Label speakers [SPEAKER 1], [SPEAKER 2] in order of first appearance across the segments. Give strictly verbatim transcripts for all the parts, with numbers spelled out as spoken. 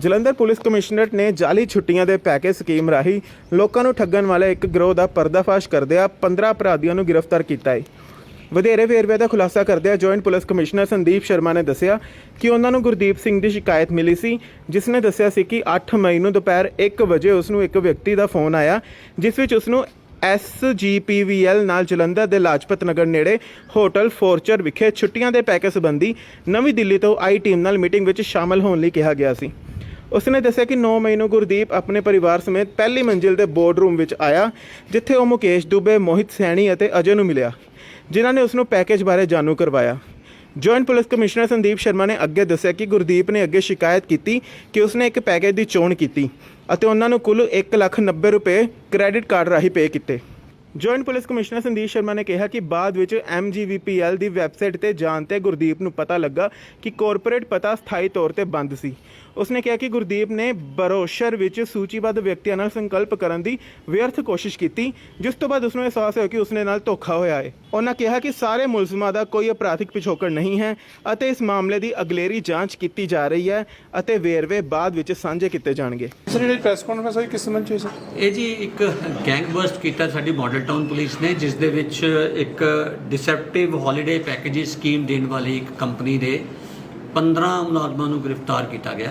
[SPEAKER 1] Jalandhar police commissionerate ਨੇ ਜਾਲੀ ਛੁੱਟੀਆਂ ਦੇ ਪੈਕੇਜ ਸਕੀਮ ਰਾਹੀਂ ਲੋਕਾਂ ਨੂੰ ਠੱਗਣ ਵਾਲੇ ਇੱਕ ਗਿਰੋਹ ਦਾ ਪਰਦਾਫਾਸ਼ ਕਰਦਿਆਂ ਪੰਦਰਾਂ ਅਪਰਾਧੀਆਂ ਨੂੰ ਗ੍ਰਿਫਤਾਰ ਕੀਤਾ ਹੈ। ਵਧੇਰੇ ਵੇਰਵੇ ਦਾ ਖੁਲਾਸਾ ਕਰਦਿਆਂ joint police commissioner Sandeep Sharma ਨੇ ਦੱਸਿਆ ਕਿ ਉਹਨਾਂ ਨੂੰ ਗੁਰਦੀਪ ਸਿੰਘ ਦੀ ਸ਼ਿਕਾਇਤ ਮਿਲੀ ਸੀ, ਜਿਸ ਨੇ ਦੱਸਿਆ ਸੀ ਕਿ ਅੱਠ ਮਈ ਨੂੰ ਦੁਪਹਿਰ ਇੱਕ ਵਜੇ ਉਸ ਨੂੰ ਇੱਕ ਵਿਅਕਤੀ ਦਾ ਫੋਨ ਆਇਆ, ਜਿਸ ਵਿੱਚ ਉਸ ਨੂੰ ਐਸ ਜੀ ਪੀ ਵੀ ਐਲ ਨਾਲ ਜਲੰਧਰ ਦੇ ਲਾਜਪਤ ਨਗਰ ਨੇੜੇ ਹੋਟਲ ਫੋਰਚਰ ਵਿਖੇ ਛੁੱਟੀਆਂ ਦੇ ਪੈਕੇਜ ਸੰਬੰਧੀ ਨਵੀਂ ਦਿੱਲੀ ਤੋਂ ਆਈ ਟੀਮ ਨਾਲ ਮੀਟਿੰਗ ਵਿੱਚ ਸ਼ਾਮਲ ਹੋਣ ਲਈ ਕਿਹਾ ਗਿਆ ਸੀ। ਉਸਨੇ ਦੱਸਿਆ ਕਿ ਨੌ ਮਈ ਨੂੰ ਗੁਰਦੀਪ ਆਪਣੇ ਪਰਿਵਾਰ ਸਮੇਤ ਪਹਿਲੀ ਮੰਜ਼ਿਲ ਦੇ ਬੋਰਡ ਰੂਮ ਵਿੱਚ ਆਇਆ, ਜਿੱਥੇ ਉਹ ਮੁਕੇਸ਼ ਦੁਬੇ, ਮੋਹਿਤ ਸੈਣੀ ਅਤੇ ਅਜੇ ਨੂੰ ਮਿਲਿਆ, ਜਿਨ੍ਹਾਂ ਨੇ ਉਸ ਨੂੰ ਪੈਕੇਜ ਬਾਰੇ ਜਾਣੂ ਕਰਵਾਇਆ। Joint police commissioner Sandeep Sharma ਨੇ ਅੱਗੇ ਦੱਸਿਆ ਕਿ ਗੁਰਦੀਪ ਨੇ ਅੱਗੇ ਸ਼ਿਕਾਇਤ ਕੀਤੀ ਕਿ ਉਸਨੇ ਇੱਕ ਪੈਕੇਜ ਦੀ ਚੋਣ ਕੀਤੀ ਅਤੇ ਉਹਨਾਂ ਨੂੰ ਕੁੱਲ ਇੱਕ ਲੱਖ ਨੱਬੇ ਰੁਪਏ ਕ੍ਰੈਡਿਟ ਕਾਰਡ ਰਾਹੀਂ ਪੇ ਕੀਤੇ। Joint police commissioner Sandeep Sharma ਨੇ ਕਿਹਾ ਕਿ ਬਾਅਦ ਵਿੱਚ ਐਮ ਜੀ ਵੀ ਪੀ ਐਲ ਦੀ ਵੈਬਸਾਈਟ ਤੇ ਜਾਣ ਤੇ ਗੁਰਦੀਪ ਨੂੰ ਪਤਾ ਲੱਗਾ ਕਿ ਕਾਰਪੋਰੇਟ ਪਤਾ ਸਥਾਈ ਤੌਰ ਤੇ ਬੰਦ ਸੀ। ਉਸਨੇ ਕਿਹਾ ਕਿ ਗੁਰਦੀਪ ਨੇ ਬਰੋਸ਼ਰ ਵਿੱਚ ਸੂਚੀਬੱਧ ਵਿਅਕਤੀਆਂ ਨਾਲ ਸੰਕਲਪ ਕਰਨ ਦੀ ਵਿਅਰਥ ਕੋਸ਼ਿਸ਼ ਕੀਤੀ, ਜਿਸ ਤੋਂ ਬਾਅਦ ਉਸਨੂੰ ਅਹਿਸਾਸ ਹੋਇਆ ਕਿ ਉਸਨੇ ਨਾਲ ਧੋਖਾ ਹੋਇਆ ਹੈ। ਉਹਨਾਂ ਕਿਹਾ ਕਿ ਸਾਰੇ ਮੁਲਜ਼ਮਾਂ ਦਾ ਕੋਈ ਅਪਰਾਧਿਕ ਪਿਛੋਕੜ ਨਹੀਂ ਹੈ ਅਤੇ ਇਸ ਮਾਮਲੇ ਦੀ ਅਗਲੇਰੀ ਜਾਂਚ ਕੀਤੀ ਜਾ ਰਹੀ ਹੈ ਅਤੇ ਵੇਰਵੇ ਬਾਅਦ ਵਿੱਚ ਸਾਂਝੇ ਕੀਤੇ ਜਾਣਗੇ।
[SPEAKER 2] ਸਰ ਜਿਹੜੀ ਪ੍ਰੈਸ ਕਾਨਫਰੰਸ ਹੋਈ ਕਿਸ ਸੰਬੰਧ 'ਚ ਹੋਈ ਸਰ?
[SPEAKER 3] ਇਹ ਜੀ ਇੱਕ ਗੈਂਗ ਬਸਟ ਕੀਤਾ ਸਾਡੀ ਮਾਡਲ ਟਾਊਨ ਪੁਲਿਸ ਨੇ, ਜਿਸ ਦੇ ਵਿੱਚ ਇੱਕ ਡਿਸੈਪਟਿਵ ਹੌਲੀਡੇ ਪੈਕੇਜ ਸਕੀਮ ਦੇਣ ਵਾਲੀ ਇੱਕ ਕੰਪਨੀ ਦੇ ਪੰਦਰਾਂ ਮੁਲਾਜ਼ਮਾਂ ਨੂੰ ਗ੍ਰਿਫਤਾਰ ਕੀਤਾ ਗਿਆ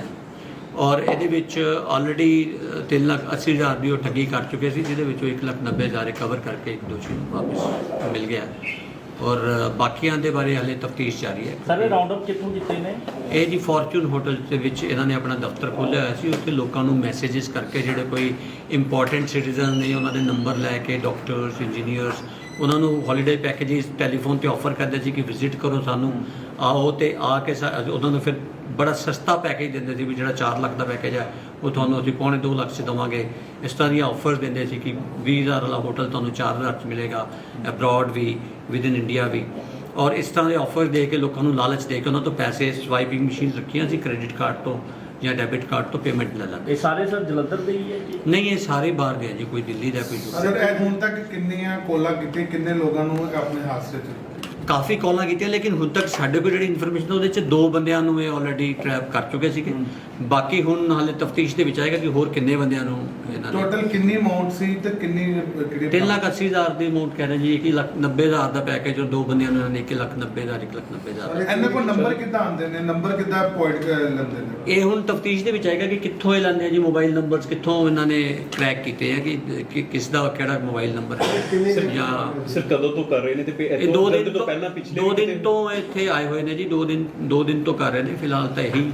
[SPEAKER 3] ਔਰ ਇਹਦੇ ਵਿੱਚ ਆਲਰੇਡੀ ਤਿੰਨ ਲੱਖ ਅੱਸੀ ਹਜ਼ਾਰ ਦੀ ਉਹ ਠੱਗੀ ਕਰ ਚੁੱਕੇ ਸੀ, ਜਿਹਦੇ ਵਿੱਚੋਂ ਇੱਕ ਲੱਖ ਨੱਬੇ ਹਜ਼ਾਰ ਰਿਕਵਰ ਕਰਕੇ ਇੱਕ ਦੋਸ਼ੀ ਨੂੰ ਵਾਪਸ ਮਿਲ ਗਿਆ ਔਰ ਬਾਕੀਆਂ ਦੇ ਬਾਰੇ ਹਾਲੇ ਤਫਤੀਸ਼ ਜਾਰੀ ਹੈ।
[SPEAKER 4] ਸਾਰੇ ਰਾਉਂਡ ਅਪ ਕਿੱਥੋਂ ਕੀਤੇ ਨੇ?
[SPEAKER 3] ਇਹ ਜੀ ਫੋਰਚੂਨ ਹੋਟਲ ਦੇ ਵਿੱਚ ਇਹਨਾਂ ਨੇ ਆਪਣਾ ਦਫ਼ਤਰ ਖੋਲ੍ਹਿਆ ਹੋਇਆ ਸੀ। ਉੱਥੇ ਲੋਕਾਂ ਨੂੰ ਮੈਸੇजेस ਕਰਕੇ ਜਿਹੜੇ ਕੋਈ ਇੰਪੋਰਟੈਂਟ ਸਿਟੀਜ਼ਨ ਨੇ ਉਹਨਾਂ ਦੇ ਨੰਬਰ ਲੈ ਕੇ ਡਾਕਟਰਸ, ਇੰਜੀਨੀਅਰਸ ਉਹਨਾਂ ਨੂੰ ਹੌਲੀਡੇ ਪੈਕੇਜਿਸ ਟੈਲੀਫੋਨ ਤੇ ਆਫਰ ਕਰਦੇ ਸੀ ਕਿ ਵਿਜ਼ਿਟ ਕਰੋ ਸਾਨੂੰ, ਆਓ ਤੇ ਆ ਕੇ ਉਹਨਾਂ ਨੂੰ ਫਿਰ ਬੜਾ ਸਸਤਾ ਪੈਕੇਜ ਦਿੰਦੇ ਸੀ ਵੀ ਜਿਹੜਾ ਚਾਰ ਲੱਖ ਦਾ ਪੈਕੇਜ ਹੈ ਉਹ ਤੁਹਾਨੂੰ ਅਸੀਂ ਪੌਣੇ ਦੋ ਲੱਖ 'ਚ ਦੇਵਾਂਗੇ। ਇਸ ਤਰ੍ਹਾਂ ਦੀਆਂ ਆਫਰਸ ਦਿੰਦੇ ਸੀ ਕਿ ਵੀਹ ਹਜ਼ਾਰ ਵਾਲਾ ਹੋਟਲ ਤੁਹਾਨੂੰ ਚਾਰ ਹਜ਼ਾਰ 'ਚ ਮਿਲੇਗਾ, ਅਬਰੋਡ ਵੀ ਵਿਦ ਇਨ ਇੰਡੀਆ ਵੀ। ਔਰ ਇਸ ਤਰ੍ਹਾਂ ਦੇ ਆਫਰ ਦੇ ਕੇ ਲੋਕਾਂ ਨੂੰ ਲਾਲਚ ਦੇ ਕੇ ਉਹਨਾਂ ਤੋਂ ਪੈਸੇ ਸਵਾਈਪਿੰਗ ਮਸ਼ੀਨ ਰੱਖੀਆਂ ਸੀ ਕ੍ਰੈਡਿਟ ਕਾਰਡ ਤੋਂ ਜਾਂ ਡੈਬਿਟ ਕਾਰਡ ਤੋਂ ਪੇਮੈਂਟ ਲੈ ਲੈਂਦੇ।
[SPEAKER 4] ਇਹ ਸਾਰੇ ਸਰ ਜਲੰਧਰ ਦੇ ਹੀ ਹੈ ਜੀ?
[SPEAKER 3] ਨਹੀਂ, ਇਹ ਸਾਰੇ ਬਾਹਰ ਗਏ ਜੀ, ਕੋਈ ਦਿੱਲੀ ਦਾ ਕੋਈ ਦੂਸਰਾ।
[SPEAKER 2] ਸਰ ਇਹ ਹੁਣ ਤੱਕ ਕਿੰਨੀਆਂ ਕੋਲਾਂ ਕੀਤੀਆਂ, ਕਿੰਨੇ ਲੋਕਾਂ ਨੂੰ ਆਪਣੇ ਹਾਦਸੇ 'ਚ?
[SPEAKER 3] ਕਾਫੀ ਕਾਲਾਂ ਕੀਤੀਆਂ, ਲੇਕਿਨ ਹੁਣ ਤੱਕ ਸਾਡੇ ਕੋਲ ਜਿਹੜੀ ਇਨਫੋਰਮੇਸ਼ਨ ਉਹਦੇ 'ਚ ਦੋ ਬੰਦਿਆਂ ਨੂੰ ਇਹ ਆਲਰੇਡੀ ਟ੍ਰੈਪ ਕਰ ਚੁੱਕੇ ਸੀਗੇ। ਬਾਕੀ ਹੁਣ ਹਾਲੇ ਤਫਤੀਸ਼ ਦੇ ਵਿੱਚ ਆਏਗਾ ਕਿ ਹੋਰ ਕਿੰਨੇ ਬੰਦਿਆਂ ਨੂੰ ਇਹਨਾਂ ਨੇ।
[SPEAKER 2] ਟੋਟਲ ਕਿੰਨੀ ਅਮਾਉਂਟ ਸੀ ਤੇ ਕਿੰਨੀ ਕਿਹੜੇ?
[SPEAKER 3] ਤਿੰਨ ਲੱਖ ਅੱਸੀ ਹਜ਼ਾਰ ਦੀ ਅਮਾਉਂਟ ਕਹਿ ਰਹੇ ਜੀ, ਇੱਕ ਲੱਖ ਨੱਬੇ ਹਜ਼ਾਰ ਦਾ ਪੈਕੇਜ ਔਰ ਦੋ ਬੰਦਿਆਂ ਨੂੰ ਇਹਨਾਂ ਨੇ ਇੱਕ ਲੱਖ ਨੱਬੇ ਹਜ਼ਾਰ ਇੱਕ ਲੱਖ ਨੱਬੇ ਹਜ਼ਾਰ।
[SPEAKER 2] ਇਹਨਾਂ ਕੋਲ ਨੰਬਰ ਕਿੱਦਾਂ ਆਉਂਦੇ ਨੇ, ਨੰਬਰ ਕਿੱਦਾਂ ਪੁਆਇੰਟ ਲੈਂਦੇ ਨੇ?
[SPEAKER 3] ਇਹ ਹੁਣ ਤਫਤੀਸ਼ ਦੇ ਵਿੱਚ ਆਏਗਾ ਕਿ ਕਿੱਥੋਂ ਇਹ ਲੈਂਦੇ ਆ ਜੀ ਮੋਬਾਈਲ ਨੰਬਰਸ, ਕਿੱਥੋਂ ਇਹਨਾਂ ਨੇ ਟਰੈਕ ਕੀਤੇ ਆ ਕਿ ਕਿਸ ਦਾ ਕਿਹੜਾ ਮੋਬਾਈਲ ਨੰਬਰ ਹੈ ਜਾਂ
[SPEAKER 5] ਸਰ ਕਦੋਂ ਤੋਂ ਕਰ ਰਹੇ ਨੇ ਤੇ
[SPEAKER 3] ਇਹ ਦੋ ਦਿਨ ਤੋਂ
[SPEAKER 5] ਪਹਿਲਾਂ ਪਿਛਲੇ
[SPEAKER 3] ਦੋ ਦਿਨ ਤੋਂ ਇੱਥੇ ਆਏ ਹੋਏ ਨੇ ਜੀ, ਦੋ ਦਿਨ ਦੋ ਦਿਨ ਤੋਂ ਕਰ ਰਹੇ ਨੇ। ਫਿਲਹਾਲ ਤਾਂ ਇਹੀ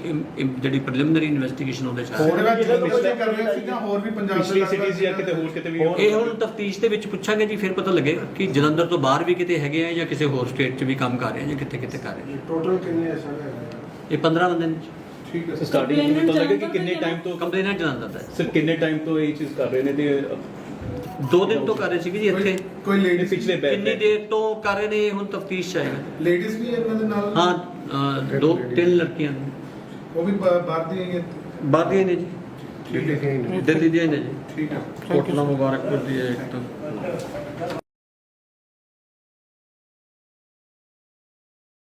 [SPEAKER 3] ਜਿਹੜੀ ਪ੍ਰੀਲਿਮਿਨਰੀ ਇਨਵੈਸਟੀਗੇਸ਼ਨ ਉਹਦੇ ਚ
[SPEAKER 2] ਹੋਰ ਵੀ ਕਰ ਰਹੇ ਸੀ ਜਾਂ ਹੋਰ ਵੀ ਪੰਜਾਬ
[SPEAKER 5] ਪਿਛਲੀ ਸਿਟੀਜ਼ ਜਾਂ ਕਿਤੇ ਹੋਰ ਕਿਤੇ ਵੀ?
[SPEAKER 3] ਇਹ ਹੁਣ ਤਫਤੀਸ਼ ਦੇ ਵਿੱਚ ਪੁੱਛਾਂਗੇ ਜੀ, ਫਿਰ ਪਤਾ ਲੱਗੇਗਾ ਕਿ ਜਲੰਧਰ ਤੋਂ ਬਾਹਰ ਵੀ ਕਿਤੇ ਹੈਗੇ ਆ ਜਾਂ ਕਿਸੇ ਹੋਰ ਸਟੇਟ 'ਚ ਵੀ ਕੰਮ ਕਰ ਰਹੇ ਆ ਜਾਂ ਕਿੱਥੇ ਕਿੱਥੇ ਕਰ ਰਹੇ ਆ।
[SPEAKER 2] ਟੋਟਲ ਕਿੰਨੇ ਐਸਾ?
[SPEAKER 3] ਇਹ ਪੰਦਰਾਂ ਬੰਦੇ ਨੇ।
[SPEAKER 2] ਠੀਕ ਹੈ।
[SPEAKER 5] ਸਟਾਰਟਿੰਗ ਤੋਂ ਲੱਗੇ ਕਿ ਕਿੰਨੇ ਟਾਈਮ ਤੋਂ
[SPEAKER 3] ਕੰਪਲੇਨੈਂਟ ਜਲੰਧਰ ਦਾ?
[SPEAKER 5] ਸਰ ਕਿੰਨੇ ਟਾਈਮ ਤੋਂ ਇਹ ਚੀਜ਼ ਕਰ ਰਹੇ ਨੇ? ਤੇ
[SPEAKER 3] ਦੋ ਦਿਨ ਤੋਂ ਕਰ ਰਹੇ ਸੀਗੇ ਜੀ ਇੱਥੇ।
[SPEAKER 2] ਕੋਈ ਲੇਡੀਜ਼
[SPEAKER 5] ਪਿਛਲੇ ਬੈਚ
[SPEAKER 3] ਕਿੰਨੀ ਦੇਰ ਤੋਂ ਕਰ ਰਹੇ ਨੇ ਹੁਣ ਤਫਤੀਸ਼ ਆਏਗਾ।
[SPEAKER 2] ਲੇਡੀਜ਼ ਵੀ ਇਹਨਾਂ ਦੇ ਨਾਲ?
[SPEAKER 3] ਹਾਂ, ਦੋ ਤਿੰਨ ਲੜਕੀਆਂ ਨੇ,
[SPEAKER 2] ਉਹ ਵੀ ਬਾਹਰ ਦੀਆਂ ਹੀ ਹੈ?
[SPEAKER 3] ਬਾਹਰ ਦੀਆਂ ਨੇ ਜੀ,
[SPEAKER 2] ਠੀਕ ਹੈ,
[SPEAKER 3] ਦਿੱਲੀ ਦੀਆਂ ਨੇ ਜੀ।
[SPEAKER 2] ਠੀਕ ਹੈ।
[SPEAKER 3] ਕੋਟਲਾ ਮੁਬਾਰਕਪੁਰ ਦੀ ਹੈ ਇੱਕ ਤਾਂ।